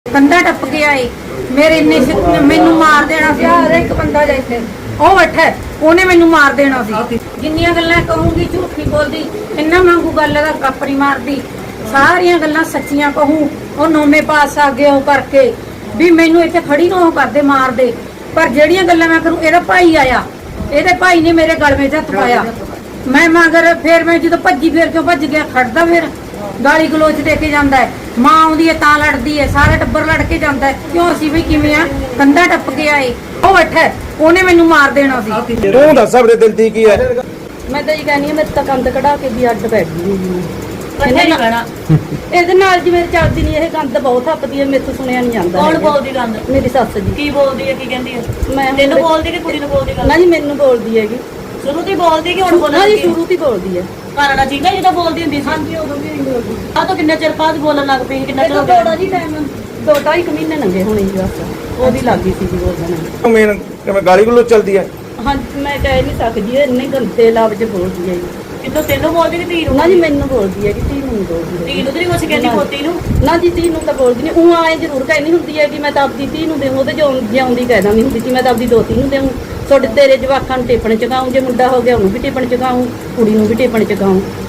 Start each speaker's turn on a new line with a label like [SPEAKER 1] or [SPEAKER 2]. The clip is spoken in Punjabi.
[SPEAKER 1] ਕੰਧਾ ਟੱਪ ਕੇ ਆਏ ਮੇਰੇ ਇੰਨੇ ਮੈਨੂੰ ਮਾਰ ਦੇਣਾ ਸੀ। ਹਰ ਇੱਕ ਬੰਦਾ ਜਾਈਏ ਉਹ ਬੈਠਾ ਉਹਨੇ ਮੈਨੂੰ ਮਾਰ ਦੇਣਾ ਸੀ। ਜਿੰਨੀਆਂ ਗੱਲਾਂ ਕਹੂੰਗੀ ਝੂਠ ਨਹੀਂ ਬੋਲਦੀ, ਇੰਨਾ ਵਾਂਗੂ ਗੱਲ ਦਾ ਕੱਪ ਨਹੀਂ ਮਾਰਦੀ, ਸਾਰੀਆਂ ਗੱਲਾਂ ਸੱਚੀਆਂ ਕਹੂੰ। ਉਹ ਨੌਵੇਂ ਪਾਸ ਆ ਗਏ ਉਹ ਕਰਕੇ ਵੀ ਮੈਨੂੰ ਇੱਥੇ ਖੜੀ ਨੂੰ ਉਹ ਕਰਦੇ ਮਾਰਦੇ, ਪਰ ਜਿਹੜੀਆਂ ਗੱਲਾਂ ਮੈਂ ਕਰੂੰ ਇਹਦਾ ਭਾਈ ਆਇਆ, ਇਹਦੇ ਭਾਈ ਨੇ ਮੇਰੇ ਗਲ ਵਿੱਚ ਹੱਥ ਪਾਇਆ। ਮੈਂ ਮਗਰ ਫਿਰ ਮੈਂ ਜਦੋਂ ਭੱਜੀ ਫਿਰ ਕਿਉਂ ਭੱਜ ਗਿਆ, ਖੜਦਾ ਫਿਰ ਗਾਲੀ ਗਲੋਚ ਦੇ ਕੇ ਜਾਂਦਾ ਹੈ। ਮਾਂ ਆਉਂਦੀ ਹੈ ਤਾਂ ਲੜਦੀ ਹੈ, ਸਾਰਾ ਟੱਬਰ ਲੜ ਕੇ ਜਾਂਦਾ ਹੈ। ਕਿਉਂ ਅਸੀਂ ਵੀ ਕਿਵੇਂ ਆ ਕੰਧਾ ਟੱਪ ਕੇ ਆਏ ਉਹ ਬੈਠਾ ਉਹਨੇ ਮੈਨੂੰ ਮਾਰ ਦੇਣਾ ਸੀ।
[SPEAKER 2] ਤੂੰ ਦੱਸ ਆਪਣੇ ਦਿਲ ਦੀ ਕੀ ਹੈ?
[SPEAKER 1] ਮੈਂ ਤਾਂ ਇਹ ਕਹਿੰਦੀ ਆ ਮੈਂ ਤਾਂ ਕੰਧ ਕਢਾ ਕੇ ਵੀ ਅੱਡ ਬੈਠ ਗਈ ਜੀ। ਇਹਦੇ ਨਾਲ ਜੀ ਮੇਰੇ ਚੱਲਦੀ ਨਹੀਂ, ਇਹ ਗੰਦ ਬਹੁਤ ਹੱਪਦੀ ਹੈ, ਮੇਥੋਂ ਸੁਣਿਆ ਨਹੀਂ ਜਾਂਦਾ।
[SPEAKER 3] ਕੌਣ ਬੋਲਦੀ ਗੰਦ?
[SPEAKER 1] ਮੇਰੀ ਸੱਸ ਜੀ।
[SPEAKER 3] ਕੀ ਬੋਲਦੀ ਹੈ, ਕੀ ਕਹਿੰਦੀ ਹੈ?
[SPEAKER 1] ਮੈਂ
[SPEAKER 3] ਤੈਨੂੰ ਬੋਲਦੀ ਕਿ ਕੁੜੀ ਨੂੰ ਬੋਲਦੀ ਗੱਲ?
[SPEAKER 1] ਨਾ ਜੀ ਮੈਨੂੰ ਬੋਲਦੀ ਹੈਗੀ,
[SPEAKER 3] ਸ਼ੁਰੂ ਤੋਂ ਹੀ ਬੋਲਦੀ ਕਿ ਹੁਣ ਬੋਲਣ
[SPEAKER 1] ਨਾ ਜੀ
[SPEAKER 3] ਲੱਗੀ?
[SPEAKER 1] ਸ਼ੁਰੂ ਤੋਂ ਹੀ ਬੋਲਦੀ ਹੈ।
[SPEAKER 3] ਕਾਨੜਾ ਚੀਕਾ ਜਦੋਂ ਬੋਲਦੀ ਹੁੰਦੀ ਸੀ?
[SPEAKER 1] ਹਾਂਜੀ ਉਦੋਂ ਵੀ ਨਹੀਂ ਬੋਲਦੀ।
[SPEAKER 3] ਆ ਤਾਂ ਕਿੰਨੇ ਚਿਰ ਬਾਅਦ ਬੋਲਣ ਲੱਗ ਪਈ? ਕਿੰਨਾ ਚਿਰ ਹੋ
[SPEAKER 1] ਥੋੜਾ
[SPEAKER 3] ਗਿਆ?
[SPEAKER 1] ਜੀ ਟਾਈਮ 2-2.5 ਮਹੀਨੇ ਲੰਘੇ ਹੋਣੇ ਜੀ ਬਸ, ਉਹਦੀ ਲੱਗ ਗਈ ਸੀ ਜੀ ਬੋਲਣ।
[SPEAKER 2] ਮੇਨ ਕਿਵੇਂ ਗਾਲੀ ਗਲੋਚ ਚੱਲਦੀ ਹੈ?
[SPEAKER 1] ਹਾਂਜੀ ਮੈਂ ਕਹਿ ਨਹੀਂ ਸਕਦੀ, ਇਹ ਇੰਨੇ ਗੰਦੇ ਲਫ਼ਜ਼ ਬੋਲਦੀ ਹੈ ਜੀ।
[SPEAKER 3] ਕਿੰਨੋਂ ਤੈਨੂੰ ਬੋਲਦੀ ਕਿ ਧੀ ਨੂੰ?
[SPEAKER 1] ਨਾ ਜੀ ਮੈਨੂੰ ਬੋਲਦੀ ਹੈ ਕਿ ਧੀ ਨੂੰ ਨਹੀਂ ਬੋਲਦੀ ਹੈ।
[SPEAKER 3] ਧੀ ਨੂੰ ਤੇ ਨਹੀਂ ਕੁਛ ਕਹਿੰਦੀ, ਪੋਤੀ ਨੂੰ?
[SPEAKER 1] ਨਾ ਜੀ ਧੀ ਨੂੰ ਤਾਂ ਬੋਲਦੀ ਨਹੀਂ, ਉਹ ਆਏ ਜ਼ਰੂਰ ਕਹਿੰਦੀ ਹੁੰਦੀ ਹੈ ਕਿ ਮੈਂ ਤਾਂ ਆਪਦੀ ਧੀ ਨੂੰ ਦੇਵਾਂ, ਉਹਦੇ ਜਿਉਂਦੀ ਕਹਿ ਦਿੰਦੀ ਹੁੰਦੀ ਸੀ ਮੈਂ ਤਾਂ ਆਪਦੀ ਦੋਤੀ ਨੂੰ ਦੇਵਾਂ। ਤੁਹਾਡੇ ਤੇਰੇ ਜਵਾਕਾਂ ਨੂੰ ਟੇਪਣ ਚਗਾਉਂ, ਜੇ ਮੁੰਡਾ ਹੋ ਗਿਆ ਉਹਨੂੰ ਵੀ ਟੇਪਣ ਚਗਾਉਂ, ਕੁੜੀ ਨੂੰ ਵੀ ਟੇਪਣ ਚਗਾਉਂ।